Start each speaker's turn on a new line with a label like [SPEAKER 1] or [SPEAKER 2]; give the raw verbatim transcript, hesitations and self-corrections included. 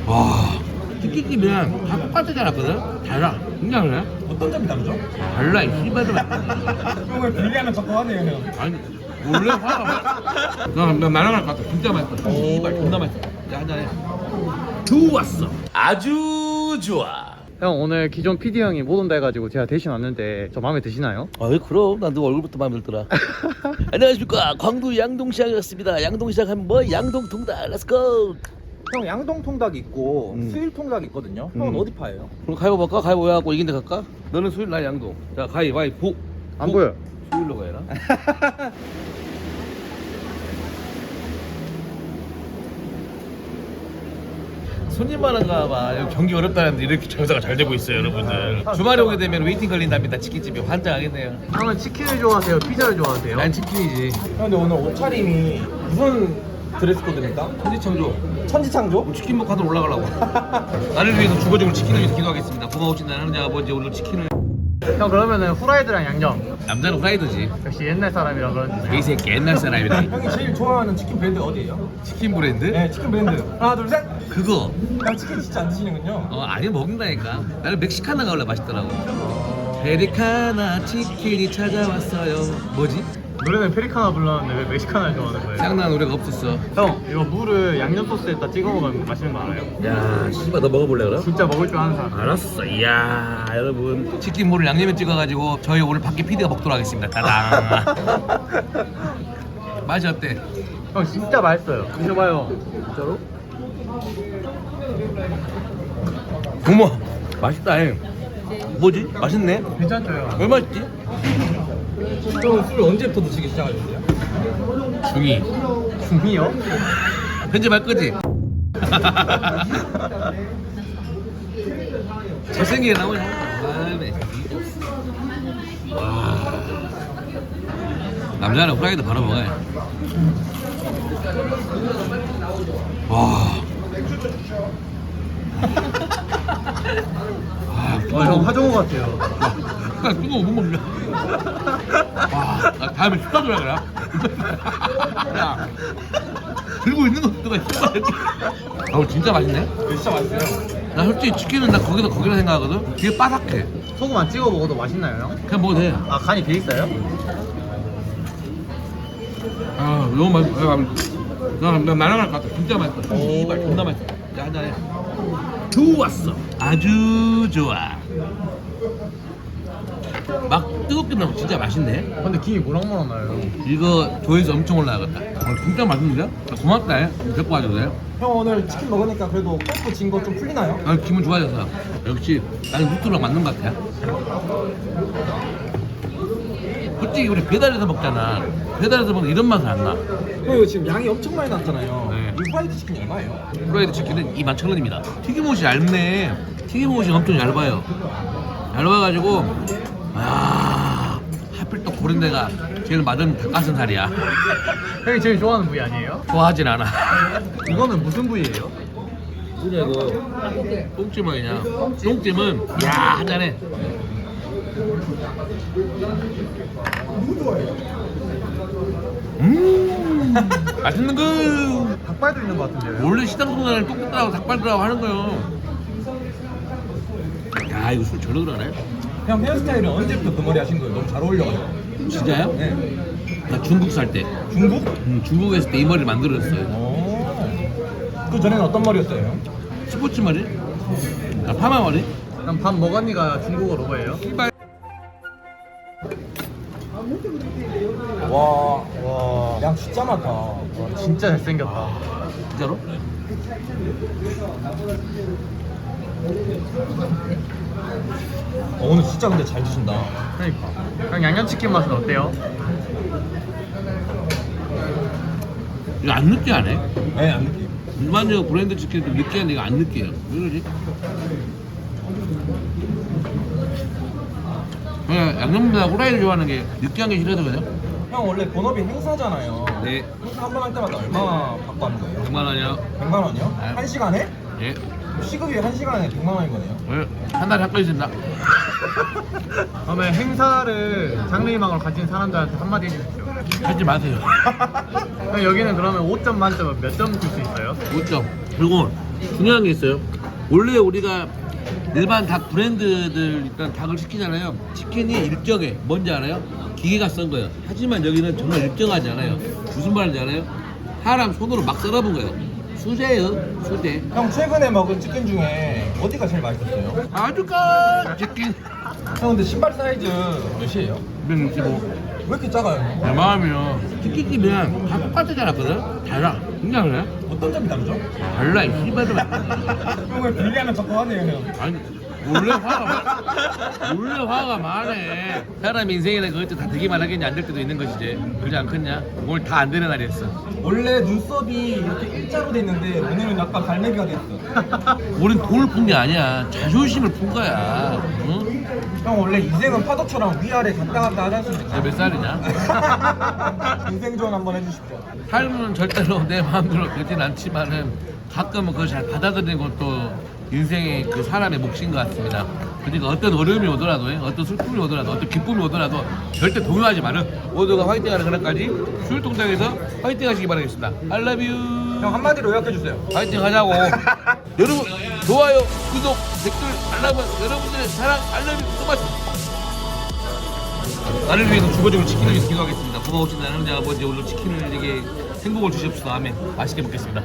[SPEAKER 1] 와 치킨집이랑 다 똑같지 않았거든? 달라. 진짜 그래?
[SPEAKER 2] 어떤 점이 다르죠?
[SPEAKER 1] 달라 이 씨발들.
[SPEAKER 2] 형을 분리하면 자꾸 하네요 형.
[SPEAKER 1] 아니 원래 화가 나, 나 날아갈 것 같아. 진짜 맛있어. 씨발 존나 맛있어. 야 한잔해. 좋았어. 아주 좋아.
[SPEAKER 3] 형 오늘 기존 피디 형이 못 온다 해가지고 제가 대신 왔는데 저 마음에 드시나요?
[SPEAKER 1] 아이 그럼 난 너 얼굴부터 마음에 들더라. 안녕하십니까 광주 양동시장에 왔습니다. 양동시장 하면 뭐 양동통닭 렛츠고.
[SPEAKER 2] 형 양동 통닭 있고
[SPEAKER 1] 음.
[SPEAKER 2] 수일 통닭 있거든요. 형은
[SPEAKER 1] 음.
[SPEAKER 2] 어디 파예요?
[SPEAKER 1] 그럼 가위바위보 할까? 가위바위보 해갖고 이긴 데 갈까? 너는 수요일 날 양동. 자 가위바위보.
[SPEAKER 3] 안 보여.
[SPEAKER 1] 수요일로 가야나? 손님 많은가 봐. 여기 경기 어렵다는데 이렇게 장사가 잘 되고 있어요 여러분들. 주말에 오게 되면 웨이팅 걸린답니다. 치킨집이 환장하겠네요.
[SPEAKER 3] 형은 치킨을 좋아하세요? 피자를 좋아하세요?
[SPEAKER 1] 난 치킨이지.
[SPEAKER 2] 형 근데 오늘 옷차림이 무슨 드레스 코드입니까?
[SPEAKER 1] 천지창조.
[SPEAKER 2] 천지창조?
[SPEAKER 1] 치킨 먹고 하늘 올라가려고. 나를 위해서 주거적으로 치킨을 위해서 기도하겠습니다. 고마우신 나는 하느님 아버지 오늘 치킨을.
[SPEAKER 3] 형 그러면은 후라이드랑 양념.
[SPEAKER 1] 남자는 후라이드지.
[SPEAKER 3] 역시 옛날 사람이라 그런지.
[SPEAKER 1] 이 새끼 옛날 사람이다.
[SPEAKER 2] 형이 제일 좋아하는 치킨 브랜드 어디예요?
[SPEAKER 1] 치킨 브랜드?
[SPEAKER 2] 네 치킨 브랜드 하나 둘 셋!
[SPEAKER 1] 그거.
[SPEAKER 2] 형 치킨 진짜 안 드시는군요.
[SPEAKER 1] 어 아니 먹는다니까. 나는 멕시카나가 원래 맛있더라고. 페리카나 치킨이 찾아왔어요. 뭐지?
[SPEAKER 3] 노래는 페리카나 불렀는데 왜 멕시카나를 좋아하는 거예요?
[SPEAKER 1] 짱난 노래가 없었어.
[SPEAKER 3] 형 이거 물을 양념 소스에다 찍어 먹으면 맛있는 거 알아요?
[SPEAKER 1] 야 씨발 너 먹어볼래 그럼?
[SPEAKER 3] 진짜 먹을 줄 아는 사람.
[SPEAKER 1] 알았어. 이야 여러분 치킨물을 양념에 찍어가지고 저희 오늘 밖에 피디가 먹도록 하겠습니다. 따당. 맛이 어때?
[SPEAKER 3] 형 진짜 맛있어요. 드셔봐요.
[SPEAKER 1] 진짜로? 어머 맛있다. 잉. 뭐지? 맛있네.
[SPEAKER 3] 괜찮죠 형?
[SPEAKER 1] 왜 맛있지?
[SPEAKER 2] 형은 술 언제부터 드시기 시작하셨어요?
[SPEAKER 1] 중이.
[SPEAKER 3] 중이요?
[SPEAKER 1] 편집할 거지? 잘생기게 나오냐? 아네. 와. 남자는 후라이드 바로 먹어야 돼. 와. 아,
[SPEAKER 3] 어, 형 하정우 같아요.
[SPEAKER 1] 나 뜨거워 못 먹냐? 와, 나 다음에 식사 줘야 그래. 야, 들고 있는 것도 씨발. 아우 진짜 맛있네.
[SPEAKER 2] 진짜 맛있어요.
[SPEAKER 1] 나 솔직히 치킨은 나 거기다 거기라 생각하거든. 되게 바삭해.
[SPEAKER 3] 소금 안 찍어 먹어도 맛있나요 형?
[SPEAKER 1] 그냥 먹어도 돼.
[SPEAKER 3] 아 간이 돼 있어요?
[SPEAKER 1] 아 너무 맛있어. 나, 나 날아갈 것 같아. 진짜 맛있어. 씨발 존나 맛있어. 야 한잔해. 좋았어. 아주 좋아. 막 뜨겁게 나면 진짜 맛있네.
[SPEAKER 3] 근데 김이 모락모락 나요.
[SPEAKER 1] 이거 조회수 엄청 올라가겠다. 아, 진짜 맛있는데? 고맙다. 해. 데리고 와줘도 돼.
[SPEAKER 2] 형 오늘 치킨 먹으니까 그래도 콜프 진 거 좀 풀리나요?
[SPEAKER 1] 아, 기분 좋아져서. 역시 나는 루트랑 맞는 것 같아. 솔직히 우리 배달해서 먹잖아. 배달해서 먹는 이런 맛은 안 나.
[SPEAKER 2] 형 이거 지금 양이 엄청 많이 났잖아요.
[SPEAKER 1] 네.
[SPEAKER 2] 이 프라이드 치킨이 얼마예요?
[SPEAKER 1] 프라이드 치킨은 이만 천 원입니다. 튀김옷이 얇네. 튀김옷이 엄청 얇아요. 얇아가지고 아 하필 또 고른 데가 제일 맞은 닭가슴살이야.
[SPEAKER 3] 형이 제일 좋아하는 부위 아니에요?
[SPEAKER 1] 좋아하진 않아.
[SPEAKER 3] 이거는 무슨 부위예요?
[SPEAKER 1] 뭐냐 이거 똥찜은 그냥 똥찜은 야 한잔해. 음 맛있는 거.
[SPEAKER 3] 닭발도 있는 것 같은데요?
[SPEAKER 1] 원래 시장 소나를 똥꼬라고 닭발이라고 하는 거요. 야 이거 술 절로 들어가네.
[SPEAKER 2] 형 헤어스타일은 언제부터 그 머리 하신 거예요? 너무 잘 어울려가지고.
[SPEAKER 1] 진짜요?
[SPEAKER 2] 네.
[SPEAKER 1] 나 중국 살 때.
[SPEAKER 2] 중국?
[SPEAKER 1] 음, 중국에 있을 때 이 머리를 만들었어요.
[SPEAKER 2] 오. 그 전에는 어떤 머리였어요, 형?
[SPEAKER 1] 스포츠 머리? 아, 파마 머리?
[SPEAKER 3] 그럼 밥 먹었니가 중국어로 뭐예요?
[SPEAKER 1] 씨발.
[SPEAKER 2] 와,
[SPEAKER 3] 와
[SPEAKER 2] 양 진짜 많다. 와,
[SPEAKER 3] 진짜 잘생겼다.
[SPEAKER 1] 진짜로?
[SPEAKER 2] 어, 오늘 진짜 근데 잘 드신다.
[SPEAKER 3] 그러니까 형 양념치킨 맛은 어때요?
[SPEAKER 1] 이거 안 느끼하네.
[SPEAKER 2] 네, 안 느끼.
[SPEAKER 1] 일반적으로 브랜드 치킨도 느끼한데 이거 안 느끼해요. 왜 그러지? 그냥 양념보다 후라이를 좋아하는 게 느끼한 게 싫어서 그냥.
[SPEAKER 2] 형 원래 본업이 행사잖아요.
[SPEAKER 1] 네.
[SPEAKER 2] 행사 한 번 할 때마다 얼마 받고 하는 거예요?
[SPEAKER 1] 백만 원이요.
[SPEAKER 2] 백만 원이요?
[SPEAKER 1] 네.
[SPEAKER 2] 한 시간에?
[SPEAKER 1] 예.
[SPEAKER 2] 시급이 한 시간에 백만 원인 거네요.
[SPEAKER 1] 예. 한 달에 한 건 있습니다.
[SPEAKER 3] 그러면 행사를 장래희망을 가진 사람들한테 한마디 해주십시오.
[SPEAKER 1] 하지 마세요.
[SPEAKER 3] 형 여기는 그러면 오 점 만점은 몇 점 줄 수 있어요?
[SPEAKER 1] 오 점. 그리고 중요한 게 있어요. 원래 우리가 일반 닭 브랜드들 일단 닭을 시키잖아요. 치킨이 일정해. 뭔지 알아요? 기계가 쓴 거예요. 하지만 여기는 정말 일정하지 않아요. 무슨 말인지 알아요? 사람 손으로 막 썰어본 거예요. 수제예요, 수제.
[SPEAKER 2] 형 최근에 먹은 치킨 중에 어디가 제일 맛있었어요?
[SPEAKER 1] 아주까 치킨.
[SPEAKER 2] 형 근데 신발 사이즈 몇이에요?
[SPEAKER 1] 백육십오.
[SPEAKER 2] 왜 이렇게 작아요?
[SPEAKER 1] 내 마음이요. 치킨집이랑 다 똑같지 않았거든? 달라. 진짜 그래?
[SPEAKER 2] 어떤 점이 다르죠?
[SPEAKER 1] 달라, 이 씨발들아.
[SPEAKER 2] 형을 분리하면 자꾸 하네요 형.
[SPEAKER 1] 아니, 원래 화가 많, 원래 화가 많네. 사람 인생에는 그것도 다 되기만 하겠냐, 안 될 때도 있는 것이지. 그러지 않겠냐? 오늘 다 안 되는 날이었어.
[SPEAKER 2] 원래 눈썹이 이렇게 일자로 돼 있는데 오늘은 약간 갈매기가 돼 있어.
[SPEAKER 1] 우린 돈을 푼 게 아니야. 자존심을 푼 거야. 응?
[SPEAKER 2] 형 원래 인생은 파도처럼 위아래 갔다 갔다 하지 않습니까?
[SPEAKER 1] 내가 몇 살이냐?
[SPEAKER 2] 인생 조언 한번 해주십시오.
[SPEAKER 1] 삶은 절대로 내 마음대로 되진 않지만은 가끔은 그걸 잘 받아들이는 것도 인생의 그 사람의 몫인 것 같습니다. 그러니까 어떤 어려움이 오더라도, 어떤 슬픔이 오더라도, 어떤 기쁨이 오더라도 절대 동요하지 마는 모두가 화이팅하는 그날까지 수율동장에서 화이팅 하시기 바라겠습니다. I love you.
[SPEAKER 2] 형 한마디로 요약해주세요.
[SPEAKER 1] 화이팅 하자고. 여러분 좋아요, 구독, 댓글, 알람은 여러분들의 사랑 알람이 소마치. 나를 위해서 주거적으로 치킨을 위해서 기도하겠습니다. 고마우신 하나님 아버지 오늘 치킨을 이렇게 행복을 주시옵소서. 아멘. 맛있게 먹겠습니다.